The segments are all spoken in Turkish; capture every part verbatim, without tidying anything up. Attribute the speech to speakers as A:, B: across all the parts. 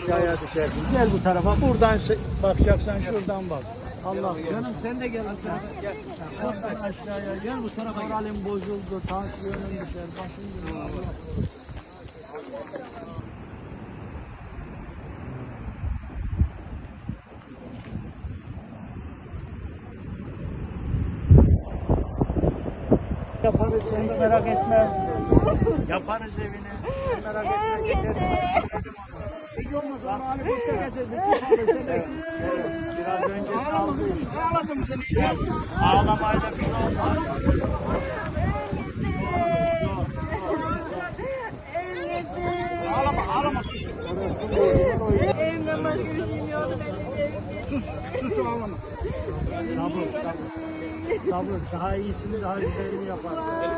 A: aşağıya düşersin. Gel bu tarafa. Buradan se- bakacaksan şuradan bak. Allah canım sen de gel bu tarafa. Gel. Buradan aşağıya gel bu tarafa. Moralin bozuldu. Tansiyonun düşer. Başın dönüyor. Yaparız seni merak etme. Yaparız evini. Merak etme. Geçeriz. Hiç olmazsa onu hani boşta geçeriz. Evet, evet. Biraz önce saldı. Ağladım seni. Ağlamayla bir şey olmaz. Ağlama, ağlama.
B: Elimden başka bir şeyim yoktu.
A: Sus, sus ağlama. Sabır, sabır. Sabır, daha iyisini, daha güzelini yapar.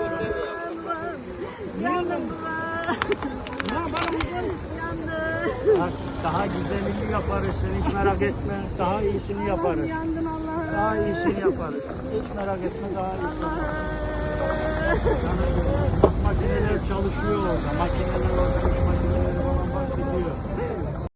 B: Yandım.
A: Ne yapalım kızım?
B: Yandım.
A: Bak, daha güzelini yaparız, sen hiç merak etme. Daha iyisini yaparız.
B: Yandın Allah'ım.
A: Daha iyisini yaparız. Hiç merak etme, daha iyisini yaparız. Bak, makineler çalışıyor orada. Makineler orada, makineler falan bak gidiyor.